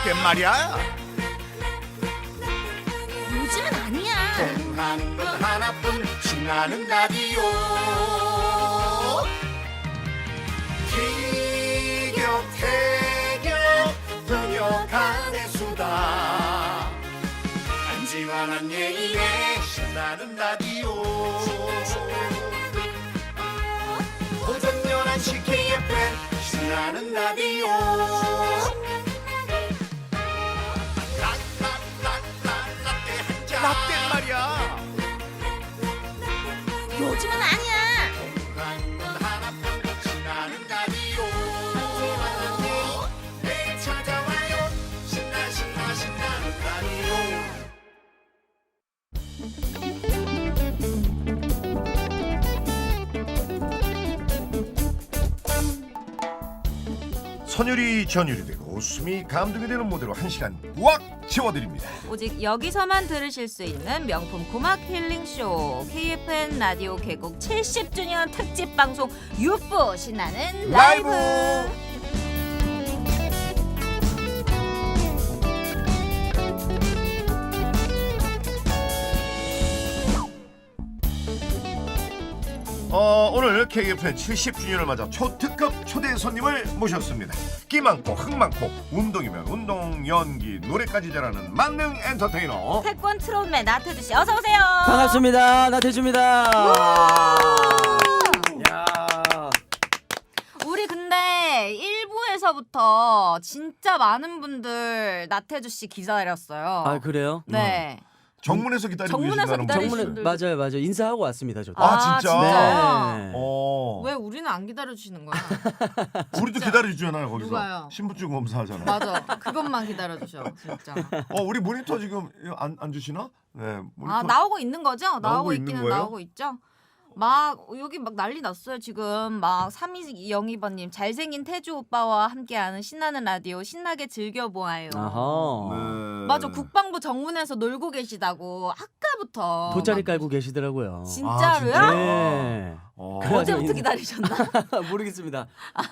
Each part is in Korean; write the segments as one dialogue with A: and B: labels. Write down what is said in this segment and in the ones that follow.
A: 라떼 말이야.
B: 요즘은 아니야.
A: 하는 건 하나뿐 신나는 라디오. 티격태격 분역하는 수다. 안지환한 예인의 신나는 라디오. 오전 11시 KFM 신나는 라디오. 라떼 말이야.
B: 요즘은 아니야.
A: 신나는 라디오. 매일 찾아와요. 신나는 라디오. 선율이 전율이 되고 웃음이 감동이 되는 무대로 1시간 꽉 채워드립니다.
B: 오직 여기서만 들으실 수 있는 명품 고막 힐링쇼 KFN 라디오 개국 70주년 특집 방송 유프 신나는 라이브.
A: 오늘 KFN 70주년을 맞아 초특급 초대 손님을 모셨습니다. 끼 많고 흥 많고 운동이면 운동, 연기, 노래까지 잘하는 만능 엔터테이너
B: 태권 트롯맨 나태주 씨 어서 오세요.
C: 반갑습니다. 나태주입니다. 야.
B: 우리 근데 1부에서부터 진짜 많은 분들 나태주 씨 기다렸어요.
C: 아 그래요?
B: 네.
A: 정문에서 기다리고
B: 정문에서
A: 계신다는
B: 기다리시는
A: 분이
B: 분들.
A: 있어요.
C: 맞아요. 인사하고 왔습니다. 저도.
A: 아, 진짜?
C: 네.
B: 왜 우리는 안 기다려주시는 거야?
A: 우리도 기다려주잖아요. 거기서
B: 누가요?
A: 신분증 검사하잖아요.
B: 맞아. 그것만 기다려주셔 진짜.
A: 우리 모니터 지금 안 주시나? 네. 모니터.
B: 나오고 있는 거죠? 나오고
A: 있는
B: 있기는
A: 거예요?
B: 나오고 있죠. 막 여기 막 난리 났어요 지금. 막 3202번님 잘생긴 태주 오빠와 함께하는 신나는 라디오 신나게 즐겨보아요.
C: 아하.
A: 네.
B: 맞아, 국방부 정문에서 놀고 계시다고 아까부터.
C: 돗자리
B: 막-
C: 깔고 계시더라고요.
B: 진짜로요?
A: 아, 진짜?
C: 네.
A: 그래가지고
B: 어제부터
C: 인사-
B: 기다리셨나?
C: 모르겠습니다.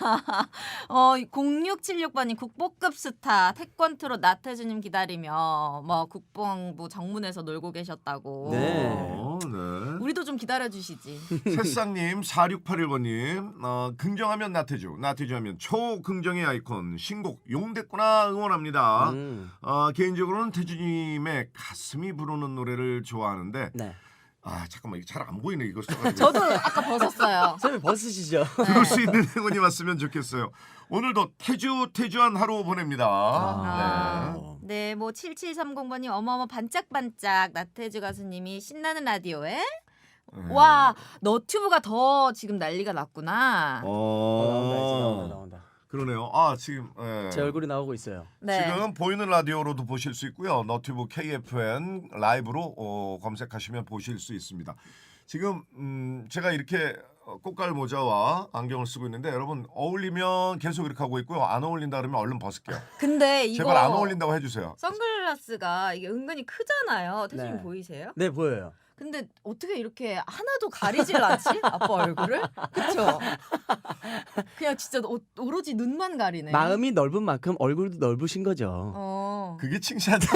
B: 0676번님 국보급 스타 태권트롯 나태주님 기다리며 뭐 국방부 정문에서 놀고 계셨다고.
C: 네.
A: 네.
B: 우리도 좀 기다려주시지.
A: 새싹님 4681번님 긍정하면 나태주하면 초긍정의 아이콘 신곡 용됐구나 응원합니다. 개인적으로는 태주님의 가슴이 부르는 노래를 좋아하는데
C: 네.
A: 잠깐만 이게 잘 안 보이네 이거 써가지고.
B: 저도 아까 벗었어요.
C: 선생님 벗으시죠.
A: 들을 수 있는 행운이 왔으면 좋겠어요. 오늘도 태주한 하루 보냅니다.
B: 아,
A: 네.
B: 네, 뭐 7730번님 어머머 반짝반짝 나태주 가수님이 신나는 라디오에 와 너튜브가 더 지금 난리가 났구나.
C: 나온다.
A: 그러네요. 지금
C: 제 얼굴이 나오고 있어요.
B: 네.
A: 지금 보이는 라디오로도 보실 수 있고요. 너튜브 KFN 라이브로 검색하시면 보실 수 있습니다. 지금 제가 이렇게 꽃갈 모자와 안경을 쓰고 있는데 여러분 어울리면 계속 이렇게 하고 있고요. 안 어울린다 그러면 얼른 벗을게요.
B: 근데 이거
A: 제발 안 어울린다고 해주세요.
B: 선글라스가 이게 은근히 크잖아요. 태주님
C: 네.
B: 보이세요?
C: 네 보여요.
B: 근데 어떻게 이렇게 하나도 가리질 않지? 아빠 얼굴을? 그쵸? 그냥 진짜 오로지 눈만 가리네.
C: 마음이 넓은 만큼 얼굴도 넓으신 거죠.
A: 그게 칭찬이에요.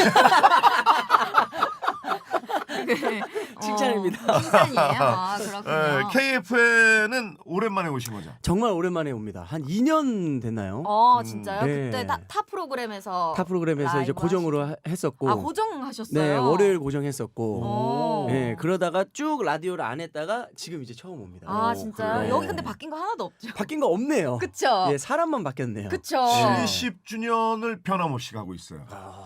B: 네.
C: 칭찬입니다.
B: 칭찬이에요. 그렇군요.
A: KFN은 오랜만에 오신 거죠?
C: 정말 오랜만에 옵니다. 한 2년 됐나요?
B: 진짜요?
C: 네.
B: 그때 타 프로그램에서
C: 타 프로그램에서 이제
B: 라이브
C: 고정으로 했었고.
B: 고정하셨어요?
C: 네, 월요일 고정했었고.
B: 오.
C: 네, 그러다가 쭉 라디오를 안 했다가 지금 이제 처음 옵니다.
B: 진짜요?
C: 그래요?
B: 여기 근데 바뀐 거 하나도 없죠?
C: 바뀐 거 없네요.
B: 그쵸?
C: 예, 사람만 바뀌었네요.
B: 그쵸?
A: 70주년을 변함없이 가고 있어요.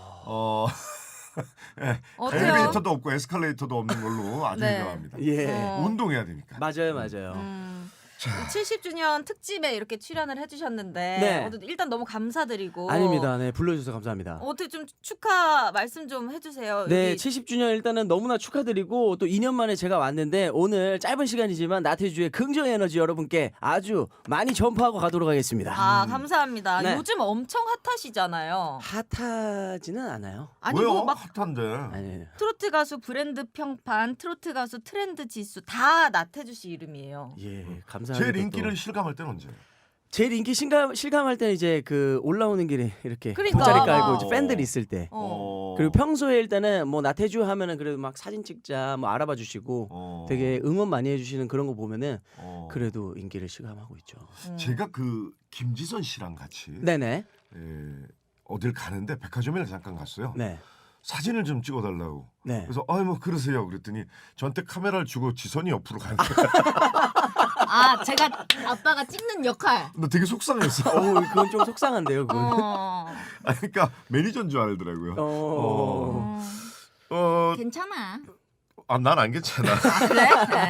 B: 어때요?
A: 엘리베이터도 없고 에스컬레이터도 없는 걸로 아주
B: 네.
A: 유명합니다.
C: 예.
A: 운동해야 되니까.
C: 맞아요.
B: 70주년 특집에 이렇게 출연을 해주셨는데
C: 네.
B: 일단 너무 감사드리고
C: 아닙니다. 네, 불러주셔서 감사합니다.
B: 어떻게 좀 축하 말씀 좀 해주세요.
C: 네,
B: 여기
C: 70주년 일단은 너무나 축하드리고 또 2년 만에 제가 왔는데 오늘 짧은 시간이지만 나태주의 긍정 에너지 여러분께 아주 많이 전파하고 가도록 하겠습니다.
B: 감사합니다.
C: 네.
B: 요즘 엄청 핫하시잖아요.
C: 핫하지는 않아요.
B: 아니
A: 왜요?
B: 뭐 막
A: 핫한데.
C: 아니,
B: 트로트 가수 브랜드 평판, 트로트 가수 트렌드 지수 다 나태주 씨 이름이에요.
C: 예, 감사합니다.
A: 제일 인기를 실감할 때는 언제?
C: 제일 인기 실감할 때는 이제 그 올라오는 길에 이렇게
B: 그러니까.
C: 돗자리 깔고 이제
A: 어.
C: 팬들이 있을 때. 그리고 평소에 일단은 뭐 나태주 하면은 그래도 막 사진 찍자 뭐 알아봐 주시고 되게 응원 많이 해주시는 그런 거 보면은 그래도 인기를 실감하고 있죠.
A: 제가 그 김지선 씨랑 같이
C: 네네.
A: 어딜 가는데 백화점에 잠깐 갔어요.
C: 네.
A: 사진을 좀 찍어달라고.
C: 네.
A: 그래서 뭐 그러세요. 그랬더니 저한테 카메라를 주고 지선이 옆으로 가는 거예요.
B: 아 제가 아빠가 찍는 역할.
A: 나 되게 속상했어.
C: 그건 좀 속상한데요. 그건.
A: 그러니까 매니저인 줄 알더라고요.
B: 괜찮아.
A: 난 안 괜찮아.
B: 그래?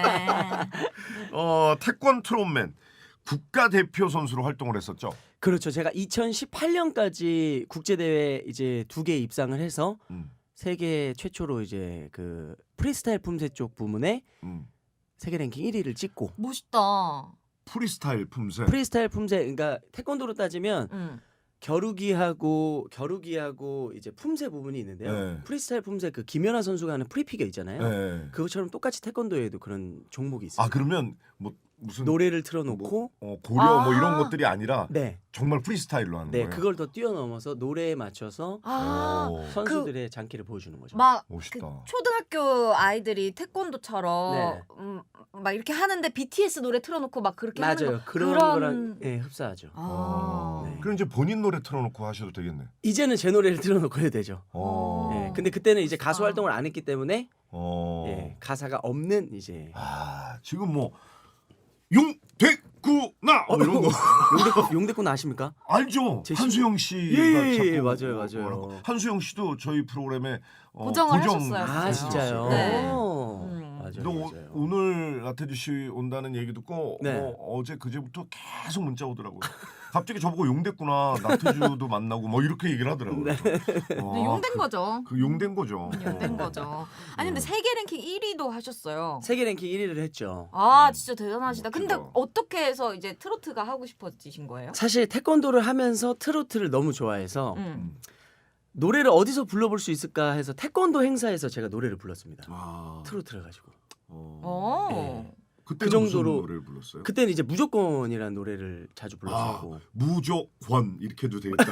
A: 태권 트롯맨 국가대표 선수로 활동을 했었죠.
C: 그렇죠. 제가 2018년까지 국제 대회 이제 2개 입상을 해서 세계 최초로 이제 그 프리스타일 품새 쪽 부문에 세계 랭킹 1위를 찍고.
B: 멋있다.
A: 프리스타일 품새.
C: 프리스타일 품새 그러니까 태권도로 따지면
B: 응.
C: 겨루기하고 이제 품새 부분이 있는데요.
A: 네.
C: 프리스타일 품새 그 김연아 선수가 하는 프리피겨 있잖아요.
A: 네.
C: 그것처럼 똑같이 태권도에도 그런 종목이 있어요.
A: 그러면 뭐 무슨
C: 노래를 틀어놓고
A: 고려 뭐 이런 것들이 아니라
C: 네,
A: 정말 프리스타일로 하는 거예요.
C: 그걸 더 뛰어넘어서 노래에 맞춰서
A: 오,
C: 선수들의 장기를 보여주는 거죠.
B: 막
A: 멋있다.
B: 그 초등학교 아이들이 태권도처럼
C: 네.
B: 막 이렇게 하는데 BTS 노래 틀어놓고 막 그렇게 하는
C: 맞아요.
B: 거
C: 그런 거랑 흡사하죠.
B: 네.
A: 그럼 이제 본인 노래 틀어놓고 하셔도 되겠네.
C: 이제는 제 노래를 틀어놓고 해야 되죠. 근데 그때는 이제 가수
B: 아.
C: 활동을 안 했기 때문에 가사가 없는 이제
A: 지금 뭐 용됐구나 이런 거
C: 용대꾼 아십니까?
A: 알죠?
C: 제
A: 한수영 씨가
C: 예,
A: 자꾸
C: 맞아요.
A: 뭐라고. 한수영 씨도 저희 프로그램에
B: 고정을
A: 고정
B: 하셨어요.
C: 아 진짜요?
B: 네.
C: 맞아요.
A: 너 오늘 나태주 씨 온다는 얘기 듣고
C: 네.
A: 어제 그제부터 계속 문자 오더라고요. 갑자기 저보고 용됐구나 나태주도 만나고 뭐 이렇게 얘기를 하더라고요.
B: 용된 거죠.
A: 그 용된 거죠.
B: 용된 거죠. 아니 근데 세계 랭킹 1위도 하셨어요.
C: 세계 랭킹 1위를 했죠.
B: 아 진짜 대단하시다. 근데
A: 멋지다.
B: 어떻게 해서 이제 트로트가 하고 싶어지신 거예요?
C: 사실 태권도를 하면서 트로트를 너무 좋아해서
B: 음.
C: 노래를 어디서 불러볼 수 있을까 해서 태권도 행사에서 제가 노래를 불렀습니다. 트로트를 가지고.
B: 어.
A: 그때
C: 그 정도로
A: 무슨 노래를 불렀어요?
C: 그때는 이제 무조건이라는 노래를 자주 불렀었고
A: 무조건 이렇게 해도 되겠다.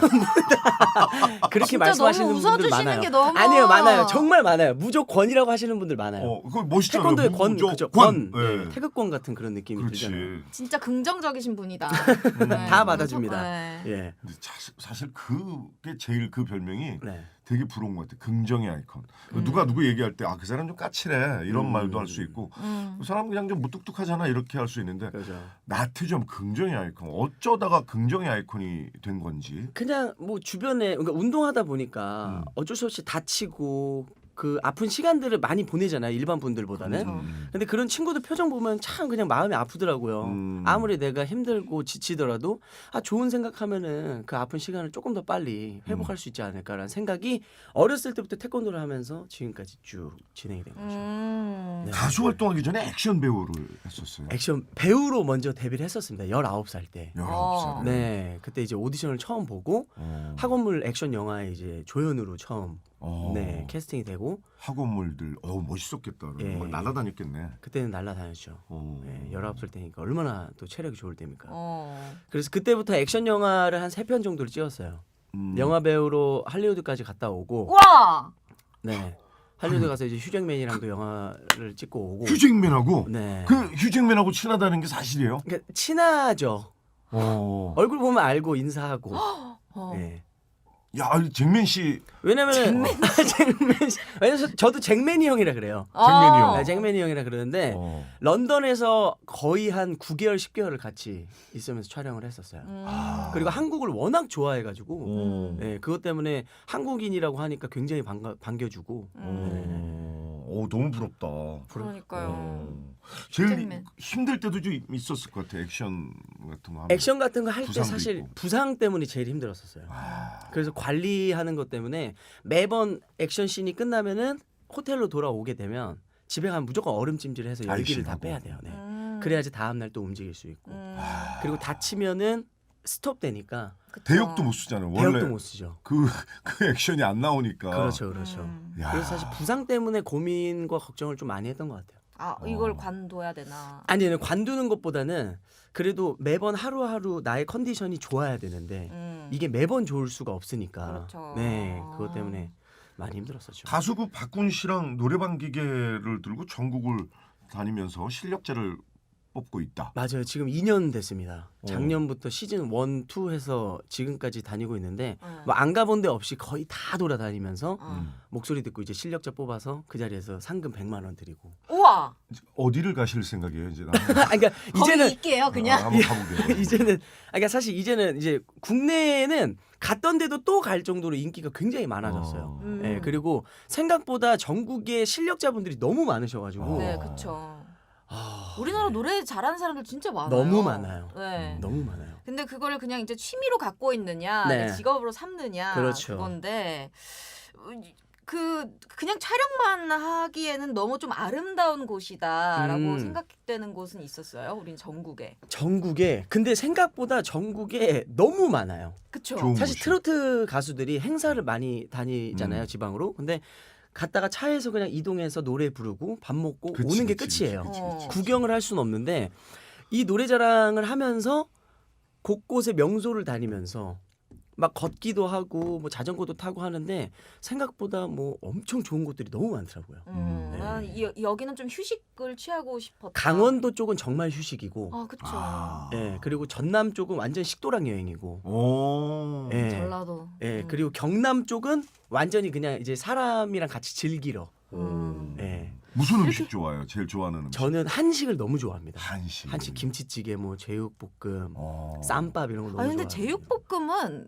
C: 그렇게
B: 진짜
C: 말씀하시는
B: 너무
C: 분들
B: 웃어주시는
C: 많아요.
B: 게 너무
C: 아니에요, 많아요. 정말 많아요. 무조건이라고 하시는 분들 많아요.
A: 그거 멋있잖아요.
C: 태권도의 권,
A: 무조건.
C: 그죠? 권,
A: 네.
C: 태극권 같은 그런 느낌이
A: 그렇지.
C: 들잖아요.
B: 진짜 긍정적인 분이다. 네.
C: 다 받아줍니다.
B: 네.
C: 예,
A: 근데 사실 그게 제일 그 별명이
C: 네.
A: 되게 부러운 것 같아. 긍정의 아이콘. 누가 누구 얘기할 때 그 사람 좀 까칠해 이런 말도 할 수 있고 그 사람 그냥 좀 무뚝뚝하잖아 이렇게 할 수 있는데
C: 그렇죠.
A: 나태주 하면 긍정의 아이콘. 어쩌다가 긍정의 아이콘이 된 건지.
C: 그냥 뭐 주변에 그러니까 운동하다 보니까 어쩔 수 없이 다치고 그 아픈 시간들을 많이 보내잖아요. 일반 분들보다는.
B: 그렇죠.
C: 근데 그런 친구들 표정 보면 참 그냥 마음이 아프더라고요. 아무리 내가 힘들고 지치더라도 좋은 생각하면은 그 아픈 시간을 조금 더 빨리 회복할 수 있지 않을까라는 생각이 어렸을 때부터 태권도를 하면서 지금까지 쭉 진행이 된 거죠. 네.
A: 가수 활동하기 전에 액션 배우를 했었어요.
C: 액션 배우로 먼저 데뷔를 했었습니다. 19살 때.
A: 19살.
C: 네, 그때 이제 오디션을 처음 보고 학원물 액션 영화에 이제 조연으로 처음 네 캐스팅이 되고
A: 학원물들 멋있었겠다.
C: 예.
A: 막 날아다녔겠네.
C: 그때는 날라다녔죠. 네, 19살 때니까 얼마나 또 체력이 좋을 때입니까.
B: 어.
C: 그래서 그때부터 액션 영화를 한 3편 정도를 찍었어요. 영화 배우로 할리우드까지 갔다 오고
B: 와.
C: 네. 할리우드 가서 이제 휴잭맨이랑도 영화를 찍고 오고
A: 휴잭맨하고
C: 네.
A: 그 휴잭맨하고 친하다는 게 사실이에요?
C: 그러니까 친하죠. 얼굴 보면 알고 인사하고. 네.
A: 야, 잭맨 씨.
C: 왜냐면은 왜냐면 저도 잭맨이 형이라 그래요.
A: 잭맨이 형.
C: 네, 잭맨이 형이라 그러는데 런던에서 거의 한 9개월 10개월을 같이 있으면서 촬영을 했었어요. 그리고 한국을 워낙 좋아해가지고 네, 그것 때문에 한국인이라고 하니까 굉장히 반겨주고
A: 너무 부럽다.
B: 그러니까요.
A: 제일
B: 잭맨.
A: 힘들 때도 좀 있었을 것 같아. 액션 같은 거 하면.
C: 액션 같은 거 할 때
A: 부상도
C: 사실
A: 있고.
C: 부상 때문이 제일 힘들었었어요. 그래서 관리하는 것 때문에 매번 액션 씬이 끝나면은 호텔로 돌아오게 되면 집에 가면 무조건 얼음찜질해서 열기를 다
A: 아이싱하고.
C: 빼야 돼요. 네. 그래야지 다음 날 또 움직일 수 있고. 그리고 다치면은 스톱되니까
A: 대역도 못 쓰잖아요. 원래
C: 대역도 못 쓰죠.
A: 그 액션이 안 나오니까.
C: 그렇죠.
A: 야.
C: 그래서 사실 부상 때문에 고민과 걱정을 좀 많이 했던 것 같아요.
B: 아 이걸 관둬야 되나?
C: 아니 관두는 것보다는 그래도 매번 하루하루 나의 컨디션이 좋아야 되는데 이게 매번 좋을 수가 없으니까.
B: 그렇죠.
C: 네, 그것 때문에 많이 힘들었었죠.
A: 가수 그 박군 씨랑 노래방 기계를 들고 전국을 다니면서 실력자를 뽑고 있다.
C: 맞아요. 지금 2년 됐습니다. 작년부터 시즌 1, 2 해서 지금까지 다니고 있는데 뭐 안 가본 데 없이 거의 다 돌아다니면서 목소리 듣고 이제 실력자 뽑아서 그 자리에서 상금 100만 원 드리고.
B: 우와.
A: 어디를 가실 생각이에요 이제?
C: 그러니까
B: 거기
C: 이제는
B: 있게요 그냥.
A: 한번 가보게요.
C: 이제는 그러니까 사실 이제는 이제 국내에는 갔던 데도 또 갈 정도로 인기가 굉장히 많아졌어요. 예, 그리고 생각보다 전국에 실력자분들이 너무 많으셔가지고
B: 네, 그렇죠. 우리나라 노래 잘하는 사람들 진짜 많아요.
C: 너무 많아요.
B: 네.
C: 너무 많아요.
B: 근데 그거를 그냥 이제 취미로 갖고 있느냐,
C: 네.
B: 내 직업으로 삼느냐
C: 그렇죠.
B: 그건데 그냥 촬영만 하기에는 너무 좀 아름다운 곳이다라고 생각되는 곳은 있었어요. 우린 전국에.
C: 전국에 근데 생각보다 전국에 너무 많아요.
B: 그쵸.
A: 좋은
C: 사실
A: 곳이요.
C: 트로트 가수들이 행사를 많이 다니잖아요, 지방으로. 근데 갔다가 차에서 그냥 이동해서 노래 부르고 밥 먹고
A: 그치,
C: 오는 게
A: 그치,
C: 끝이에요.
A: 그치, 그치, 그치.
C: 구경을 할 수는 없는데 이 노래자랑을 하면서 곳곳에 명소를 다니면서 막 걷기도 하고 뭐 자전거도 타고 하는데 생각보다 뭐 엄청 좋은 곳들이 너무 많더라고요.
A: 네.
B: 난 여기는 좀 휴식을 취하고 싶었다.
C: 강원도 쪽은 정말 휴식이고,
B: 아, 그쵸.
C: 예, 그리고 전남 쪽은 완전 식도락 여행이고,
A: 오.
C: 예,
B: 전라도.
C: 예, 그리고 경남 쪽은 완전히 그냥 이제 사람이랑 같이 즐기러. 예,
A: 무슨 음식 좋아해요? 제일 좋아하는 음식?
C: 저는 한식을 너무 좋아합니다.
A: 한식.
C: 한식 김치찌개, 뭐 제육볶음,
A: 어.
C: 쌈밥 이런 거 너무
B: 아니 근데
C: 좋아해요.
B: 제육볶음은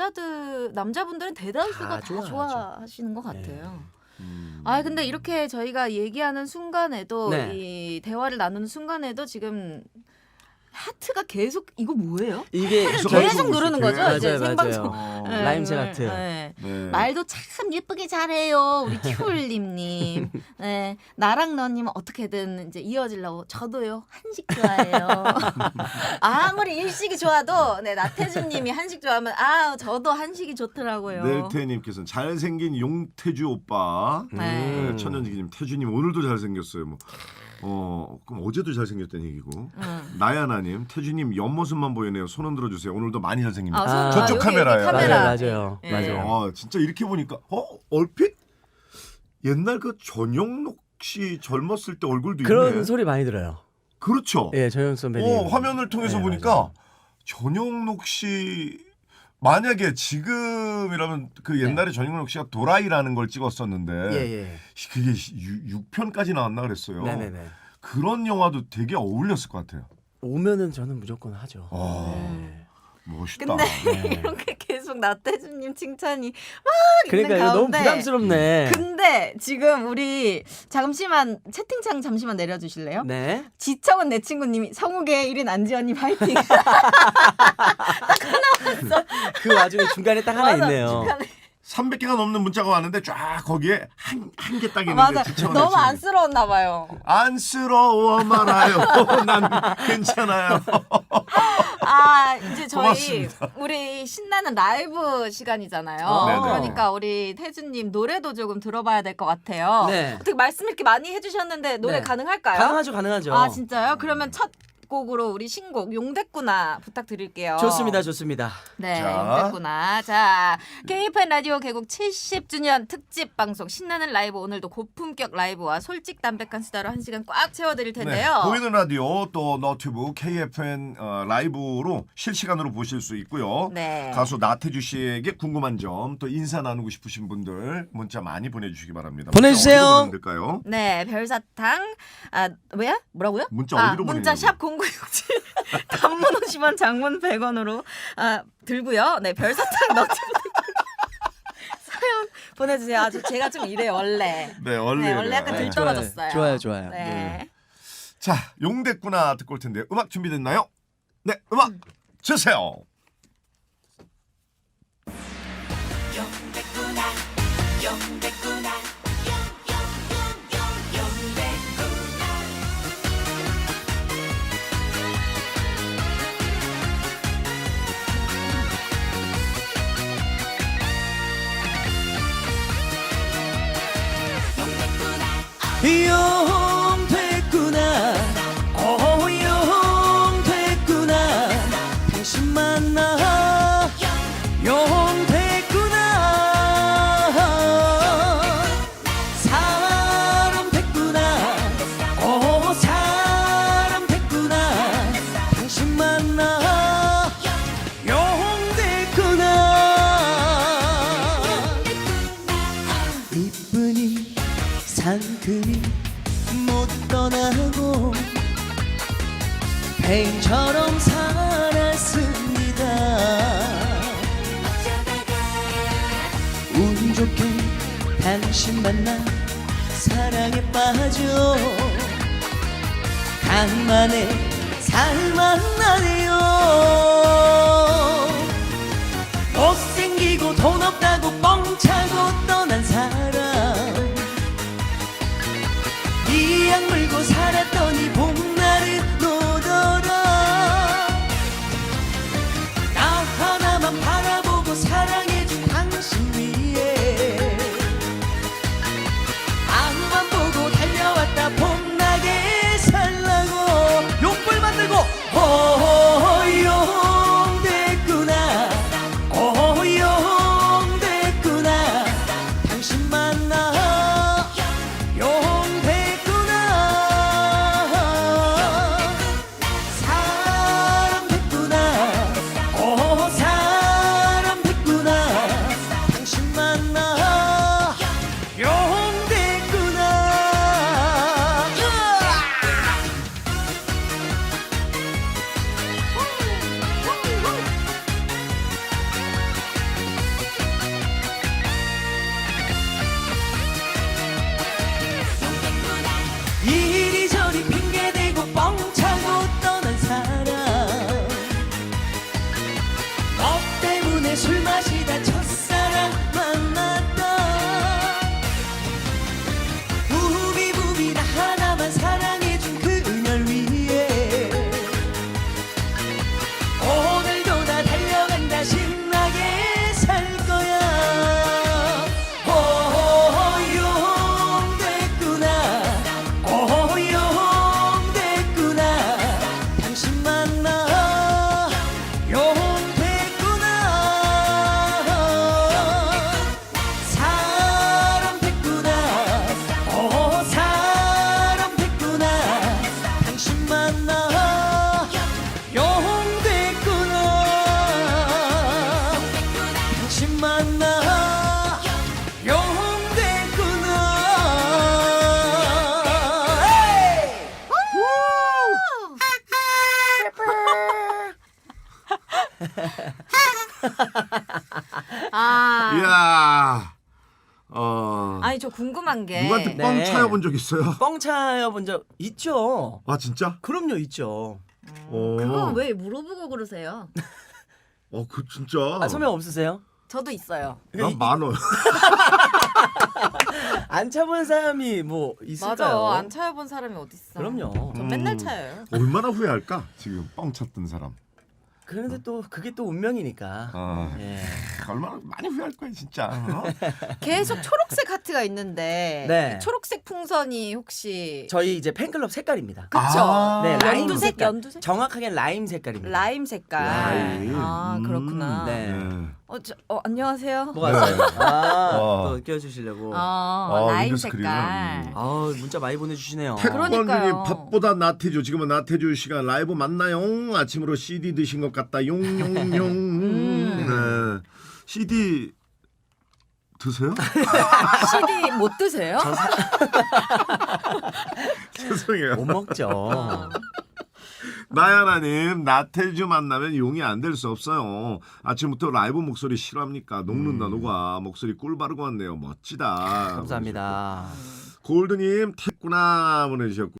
B: 남자분들은 대다수가
C: 다
B: 다
C: 좋아하죠.
B: 좋아하시는 것 같아요.
A: 음.
B: 아 근데 이렇게 저희가 얘기하는 순간에도
C: 네.
B: 이 대화를 나누는 순간에도 지금 하트가 계속 이거 뭐예요?
C: 이게
A: 계속
B: 계속 누르는 거죠?
C: 맞아요,
B: 이제
C: 맞아요.
B: 생방송.
A: 어.
B: 네,
C: 라임새
B: 네,
C: 하트.
B: 네.
A: 네.
B: 말도 참 예쁘게 잘해요. 우리 큐울님님. 네, 나랑 너님은 어떻게든 이제 이어지려고 저도요 한식 좋아해요. 아무리 일식이 좋아도 네 나태주님이 한식 좋아하면 아 저도 한식이 좋더라고요.
A: 넬태님께서는 잘생긴 용태주 오빠.
B: 네.
A: 천연지기님 태주님 오늘도 잘생겼어요. 뭐. 그럼 어제도 잘생겼다는 얘기고. 나야나님 태주님 옆모습만 보이네요. 손 흔들어 주세요. 오늘도 많이 잘생깁니다.
B: 아,
A: 저쪽
B: 여기
A: 카메라예요.
B: 카메라.
C: 맞아요,
B: 네.
C: 맞아요.
A: 진짜 이렇게 보니까 얼핏 옛날 그 전영록 씨 젊었을 때 얼굴도
C: 그런
A: 있네.
C: 소리 많이 들어요.
A: 그렇죠.
C: 예, 정영 선배님.
A: 화면을 통해서
C: 네,
A: 보니까
C: 맞아요.
A: 전영록 씨 만약에 지금이라면 그 옛날에 전영록 씨가 도라이라는 걸 찍었었는데
C: 예.
A: 그게 6편까지 나왔나 그랬어요.
C: 네네네.
A: 그런 영화도 되게 어울렸을 것 같아요.
C: 오면은 저는 무조건 하죠.
A: 네. 멋있다.
B: 근데
C: 네.
B: 이렇게 계속 나태주님 칭찬이
C: 그러니까 이거 너무 부담스럽네.
B: 근데 지금 우리 잠시만 채팅창 잠시만 내려주실래요?
C: 네.
B: 지청은 내 친구님이 성우계 1인 안지연님 파이팅.
C: 그 와중에 중간에 딱 하나
B: 맞아,
C: 있네요.
B: 중간에.
A: 300개가 넘는 문자가 왔는데 쫙 거기에 한 개 딱 있는데
B: 맞아.
A: 지쳐가지고
B: 너무 안쓰러웠나 봐요.
A: 안쓰러워 말아요. 난 괜찮아요.
B: 아 이제 저희
A: 고맙습니다.
B: 우리 신나는 라이브 시간이잖아요.
A: 네네.
B: 그러니까 우리 태주님 노래도 조금 들어봐야 될 것 같아요.
C: 네.
B: 어떻게 말씀 이렇게 많이 해주셨는데 노래
C: 네.
B: 가능할까요?
C: 가능하죠.
B: 아 진짜요? 그러면 첫 곡으로 우리 신곡 용됐구나 부탁드릴게요.
C: 좋습니다.
B: 네,
A: 자.
B: 용됐구나. 자, KFN 라디오 개국 70주년 특집 방송 신나는 라이브 오늘도 고품격 라이브와 솔직 담백한 수다로 1시간 꽉 채워드릴 텐데요.
A: 네, 보이는 라디오 또 너튜브 KFN 라이브로 실시간으로 보실 수 있고요.
B: 네.
A: 가수 나태주 씨에게 궁금한 점 또 인사 나누고 싶으신 분들 문자 많이 보내주시기 바랍니다.
C: 보내주세요.
A: 문자 어디로 보내면 될까요?
B: 네, 별사탕. 아, 왜야? 뭐라고요?
A: 문자 어디로
B: 문자
A: 보내냐고요?
B: 샵 0967. 단문 50원, 장문 100원으로 들고요. 네, 별사탕 너튜브 사연 보내주세요. 아주 제가 좀 이래요, 원래.
A: 네, 원래
B: 원래 약간
A: 네.
B: 들떨어졌어요.
C: 좋아요.
B: 네.
A: 자, 용됐구나 듣고 올 텐데 음악 준비됐나요? 네, 음악 주세요.
C: 생처럼 살았습니다. 운 좋게 당신 만나 사랑에 빠져 간만에 살만나네요. 못생기고 돈 없다고 뻥차고 떠난 사람 이악 물고 살았더니 봄날은 오더라. 나 하나만 바라보고 사랑해준 당신 위에 앞만 보고 달려왔다. 봄나게 살라고 욕불 만들고 호용됐구나 호용됐구나 당신 만나 용됐구나 사람 됐구나 사람 됐구나 당신 만나 용됐구나. 이리저리 핑계대고 뻥차고 떠난 사람 너 때문에 술 마시다 첫사랑 만났다. 부비부비 나 하나만 사랑해준 그녀를 위해 오늘도 나 달려간다. 신나게 살 거야. 호용됐구나 당신 만나 용됐구나 사람 됐구나 사람 됐구나 당신 만나 용됐구나 당신 만나 용됐구나.
B: 아,
A: 이야.
B: 아니 저 궁금한 게
A: 누구한테
C: 네.
A: 뻥 차여본 적 있어요?
C: 뻥 차여본 적 있죠.
A: 아 진짜?
C: 그럼요, 있죠.
B: 그거 왜 물어보고 그러세요?
A: 그 진짜.
C: 소명 없으세요?
B: 저도 있어요.
A: 난 많어.
C: 안 차본 사람이 뭐 있을까요?
B: 맞아. 안 차여본 사람이 어딨어.
C: 그럼요.
B: 전 맨날 차여요.
A: 얼마나 후회할까? 지금 뻥 찼던 사람.
C: 그런데 또 그게 또 운명이니까.
A: 아,
C: 예.
A: 얼마나 많이 후회할 거야 진짜. 어?
B: 계속 초록색 하트가 있는데
C: 네.
B: 초록색 풍선이 혹시
C: 저희 이제 팬클럽 색깔입니다.
B: 그쵸?
A: 아.
C: 네, 라임
B: 연두색,
C: 색깔.
B: 연두색?
C: 정확하게 라임 색깔입니다.
B: 라임 색깔.
A: 라임.
B: 아 그렇구나.
C: 네.
A: 네.
B: 안녕하세요.
C: 뭐가
A: 네.
C: 있어요?
A: 어.
C: 또 껴주시려고.
B: 라임
A: 윈도우 스크린은.
B: 색깔.
C: 문자 많이 보내주시네요.
B: 그러니까요.
A: 태권님이 밥보다 나태주. 지금은 나태주 씨가 라이브 맞나요? 아침으로 CD 드신 것 같다. 용용용. 네. CD 드세요?
B: CD 못 드세요?
A: 죄송해요.
C: 못 먹죠.
A: 나야나님, 나태주 만나면 용이 안 될 수 없어요. 아침부터 라이브 목소리 싫어합니까? 녹는다 녹아. 목소리 꿀 바르고 왔네요. 멋지다.
C: 감사합니다.
A: 골드님, 태구나 보내주셨고.